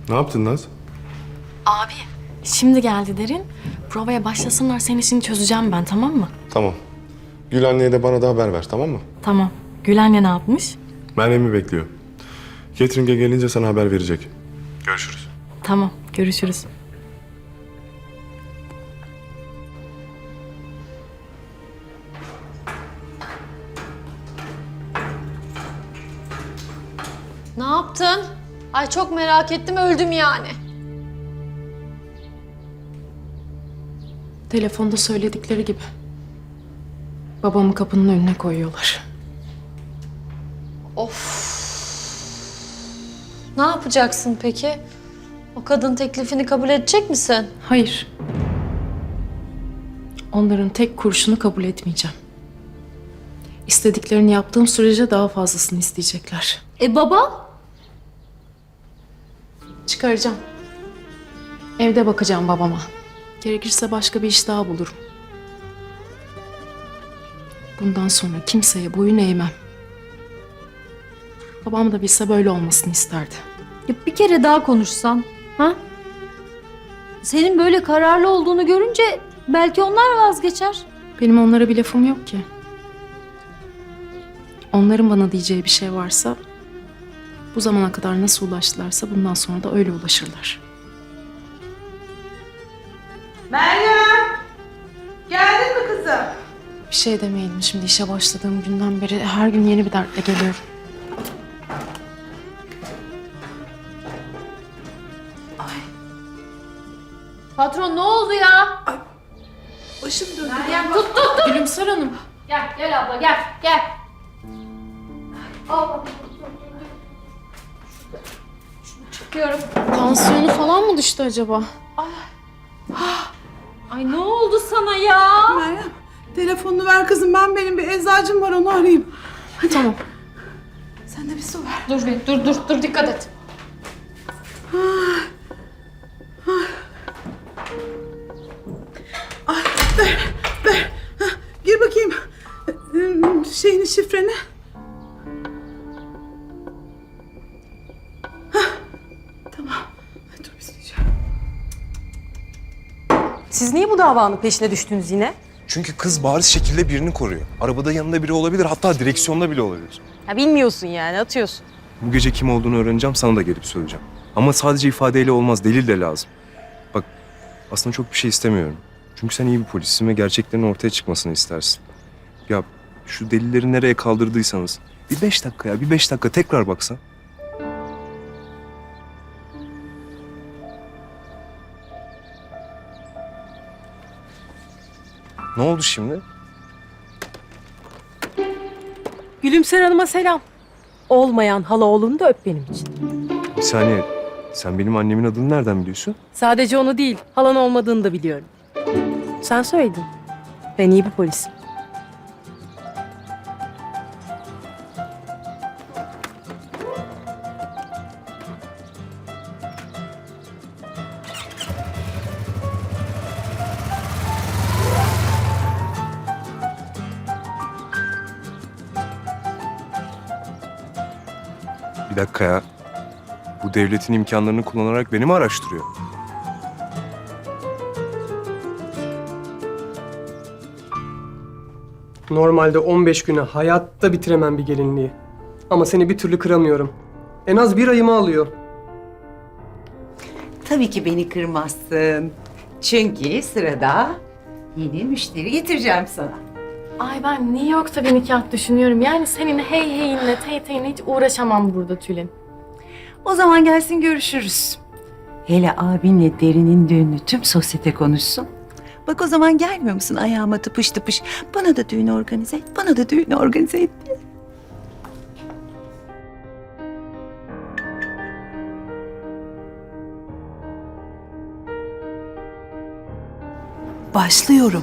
Ne yaptın Naz? Abi, şimdi geldi Derin. Provaya başlasınlar, senin işini çözeceğim ben, tamam mı? Tamam. Gül anneye de bana da haber ver, tamam mı? Tamam. Gül anne ne yapmış? Meryem'i bekliyor. Catering'e gelince sana haber verecek. Görüşürüz. Tamam, görüşürüz. Ne yaptın? Ay çok merak ettim, öldüm yani. Telefonda söyledikleri gibi. Babamı kapının önüne koyuyorlar. Of. Ne yapacaksın peki? O kadın teklifini kabul edecek misin? Hayır. Onların tek kurşunu kabul etmeyeceğim. İstediklerini yaptığım sürece daha fazlasını isteyecekler. Baba? Çıkaracağım. Evde bakacağım babama. Gerekirse başka bir iş daha bulurum. Bundan sonra kimseye boyun eğmem. Babam da bilse böyle olmasını isterdi. Ya bir kere daha konuşsan, ha? Senin böyle kararlı olduğunu görünce belki onlar vazgeçer. Benim onlara bir lafım yok ki. Onların bana diyeceği bir şey varsa, bu zamana kadar nasıl ulaştılarsa bundan sonra da öyle ulaşırlar. Meryem! Geldin mi kızım? Bir şey demeyelim, şimdi işe başladığım günden beri her gün yeni bir dertle geliyorum. Patron ne oldu ya? Başım döndü. Meryem tut. Gülümser Hanım. Gel abla gel. Al bakalım. Şunu çıkıyorum. Tansiyonu falan mı düştü acaba? Ay ne oldu sana ya? Meryem, telefonunu ver kızım. Benim bir eczacım var, onu arayayım. Tamam. Sen de bir su ver. Dur dikkat et. Ay, ver. Hah, gir bakayım. Şeyini, şifreni. Tamam. Ay, dur bir sileceğim. Siz niye bu davanın peşine düştünüz yine? Çünkü kız bariz şekilde birini koruyor. Arabada yanında biri olabilir, hatta direksiyonda bile olabilir. Ya bilmiyorsun yani, atıyorsun. Bu gece kim olduğunu öğreneceğim, sana da gelip söyleyeceğim. Ama sadece ifadeyle olmaz, delil de lazım. Bak, aslında çok bir şey istemiyorum. Çünkü sen iyi bir polissin ve gerçeklerin ortaya çıkmasını istersin. Ya şu delilleri nereye kaldırdıysanız, bir 5 dakika ya, bir 5 dakika tekrar baksan. Ne oldu şimdi? Gülümser Hanım'a selam. Olmayan hala oğlunu da öp benim için. Bir saniye, sen benim annemin adını nereden biliyorsun? Sadece onu değil, halan olmadığını da biliyorum. Sen söyledin. Ben iyi bir polisim. Bir dakika ya. Bu devletin imkanlarını kullanarak beni mi araştırıyor? Normalde 15 güne hayatta bitiremem bir gelinliği. Ama seni bir türlü kıramıyorum. En az bir ayımı alıyor. Tabii ki beni kırmazsın. Çünkü sırada yeni müşteri getireceğim sana. Ay ben New York'ta bir nikah düşünüyorum. Yani senin hey heyinle tey teyinle hiç uğraşamam burada Tülin. O zaman gelsin görüşürüz. Hele abinle Derin'in düğünü tüm sosyete konuşsun. Bak o zaman gelmiyor musun ayağıma tıpış tıpış? Bana da düğün organize et, bana da düğün organize et diye. Başlıyorum.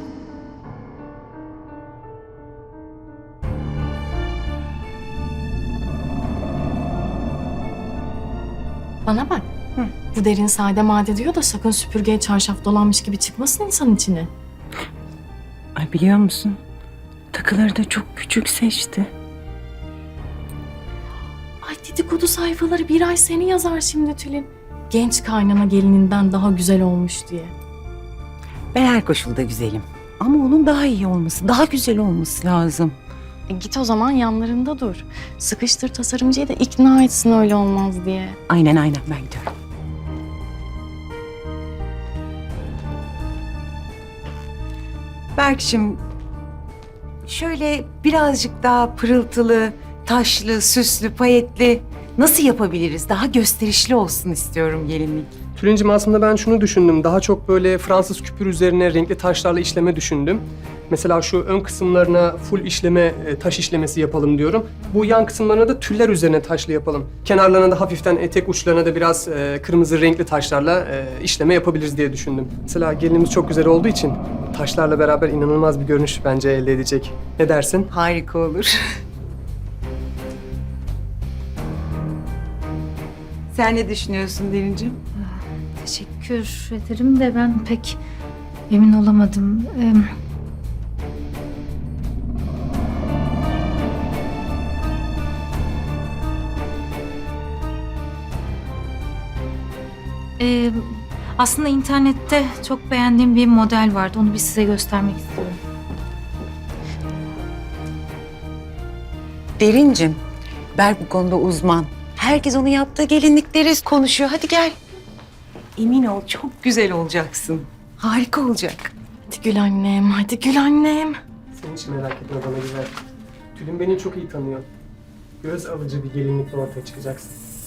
Bana bak. Bu Derin sade made diyor da sakın süpürgeye çarşaf dolanmış gibi çıkmasın insan içine. Ay biliyor musun? Takıları da çok küçük seçti. Ay dedikodu sayfaları bir ay seni yazar şimdi Tülin. genç kaynana gelininden daha güzel olmuş diye. Ben her koşulda güzelim. Ama onun daha iyi olması, daha güzel olması lazım. Git o zaman yanlarında dur. Sıkıştır tasarımcıyı da ikna etsin öyle olmaz diye. Aynen ben gidiyorum. Berk'cim şöyle birazcık daha pırıltılı, taşlı, süslü, payetli nasıl yapabiliriz? Daha gösterişli olsun istiyorum gelinlik. Tülincim aslında ben şunu düşündüm. Daha çok böyle Fransız küpür üzerine renkli taşlarla işleme düşündüm. Mesela şu ön kısımlarına full işleme, taş işlemesi yapalım diyorum. Bu yan kısımlarına da tüller üzerine taşlı yapalım. Kenarlarına da hafiften etek uçlarına da biraz kırmızı renkli taşlarla işleme yapabiliriz diye düşündüm. Mesela gelinimiz çok güzel olduğu için taşlarla beraber inanılmaz bir görünüş bence elde edecek. Ne dersin? Harika olur. Sen ne düşünüyorsun Derincim? Teşekkür ederim de ben pek emin olamadım. Aslında internette çok beğendiğim bir model vardı. Onu bir size göstermek istiyorum. Derincim, Berk bu konuda uzman. Herkes onu yaptığı gelinlikleri konuşuyor. Hadi gel. Emin ol çok güzel olacaksın. Harika olacak. Hadi gül annem, hadi gül annem. Sen hiç merak etme bana güzel. Tülin beni çok iyi tanıyor. Göz alıcı bir gelinlikle ortaya çıkacaksın.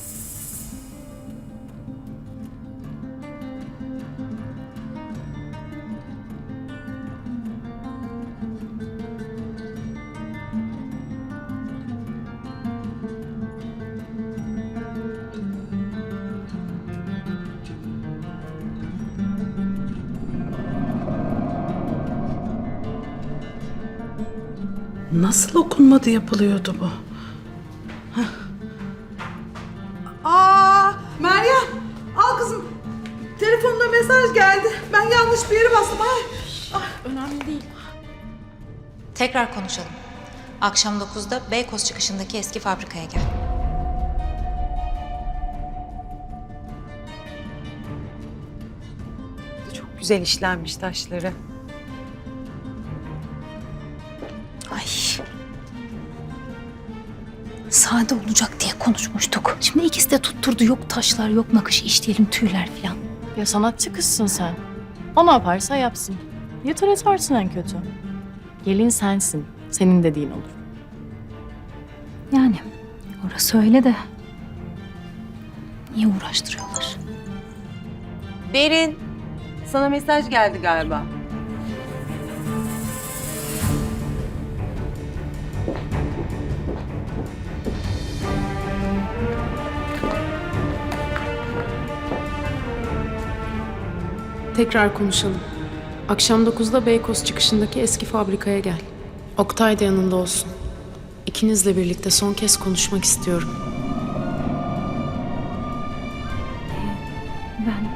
Nasıl okunmadı yapılıyordu bu? Hah. Aa, Meryem, al kızım. Telefonuna mesaj geldi. Ben yanlış bir yere bastım. Ay. Önemli değil. Tekrar konuşalım. Akşam 9'da Beykoz çıkışındaki eski fabrikaya gel. Çok güzel işlenmiş taşları. Ay. Sade olacak diye konuşmuştuk. Şimdi ikisi de tutturdu. Yok taşlar, yok nakış işleyelim, tüyler falan. Ya sanatçı kızsın sen. O ne yaparsa yapsın. Yeter etarsın en kötü. Gelin sensin. Senin dediğin olur. Yani orası öyle de niye uğraştırıyorlar? Derin, sana mesaj geldi galiba. Tekrar konuşalım. Akşam 9'da Beykoz çıkışındaki eski fabrikaya gel. Oktay da yanında olsun. İkinizle birlikte son kez konuşmak istiyorum. Ben...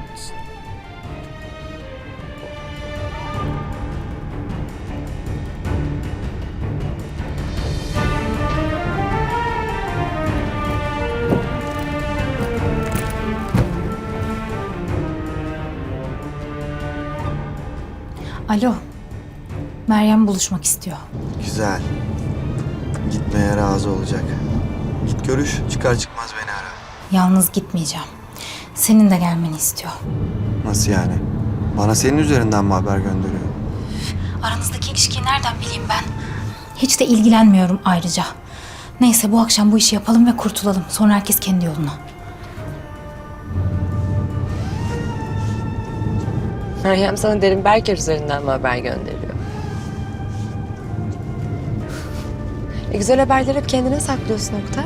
Alo. Meryem buluşmak istiyor. Güzel. Gitmeye razı olacak. Git görüş, çıkar çıkmaz beni ara. Yalnız gitmeyeceğim. Senin de gelmeni istiyor. Nasıl yani? Bana senin üzerinden mi haber gönderiyor? Aranızdaki ilişkiyi nereden bileyim ben? Hiç de ilgilenmiyorum ayrıca. Neyse bu akşam bu işi yapalım ve kurtulalım. Sonra herkes kendi yoluna. Meryem sana Derin Berker üzerinden mi haber gönderiyor? Güzel haberleri hep kendine saklıyorsun Oktay.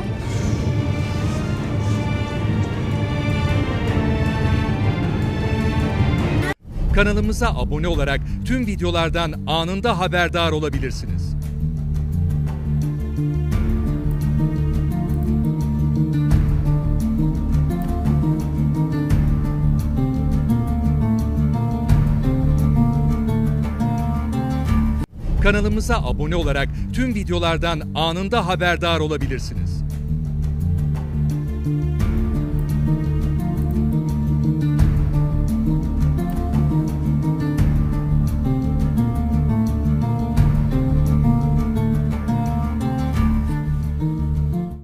Kanalımıza abone olarak tüm videolardan anında haberdar olabilirsiniz. Kanalımıza abone olarak tüm videolardan anında haberdar olabilirsiniz.